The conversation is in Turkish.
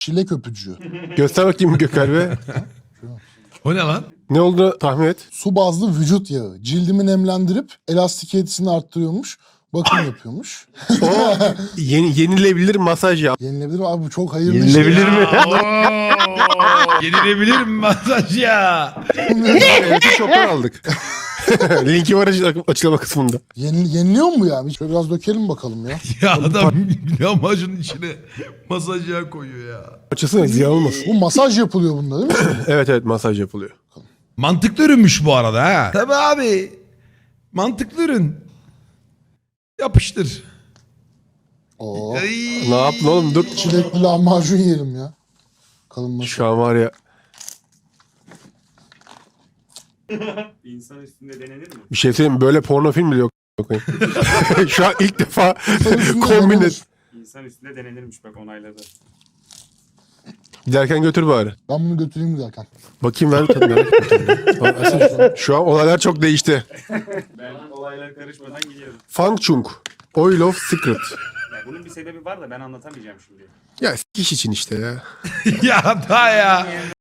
Çilek öpücüğü. Göster bakayım Gökhan be. O ne lan? Ne olduğunu tahmin et. Su bazlı vücut yağı. Cildimi nemlendirip elastikiyetini arttırıyormuş. Bakım yapıyormuş. O yenilebilir masaj yap. Yenilebilir mi? Abi bu çok hayırlı Yenilebilir mi? Yenilebilir mi masaj ya? Evet, shop'tan aldık. Linki var açıklama kısmında. Yeniliyor mu ya? Şöyle biraz dökelim bakalım ya. Ya adam lahmacunun içine masaj yağı koyuyor ya. Açısına ziyan olmasın. Bu masaj yapılıyor bunda değil mi? Evet masaj yapılıyor. Mantıklı ürünmüş bu arada ha. Tabii abi. Mantıklı ürün. Yapıştır. Oo. Ay. Ne yaptın oğlum dur. Çilekli lahmacun yiyelim ya. Kalınması. Şu an var ya İnsan üstünde denenir mi? bir şey söyleyeyim mi? Böyle porno film bile yok. Şu an ilk defa Üstünde kombin denenir. et. İnsan üstünde denenirmiş bak onayladı. Giderken götür bari. Ben bunu götüreyim giderken. Bakayım ver tabii merak ettim. Şu an olaylar çok değişti. Ben olaylara karışmadan gidiyorum. Fang Chung. Oil of Secret. Ya bunun bir sebebi var da ben anlatamayacağım şimdi. Ya iş için işte ya. Ya daha ya.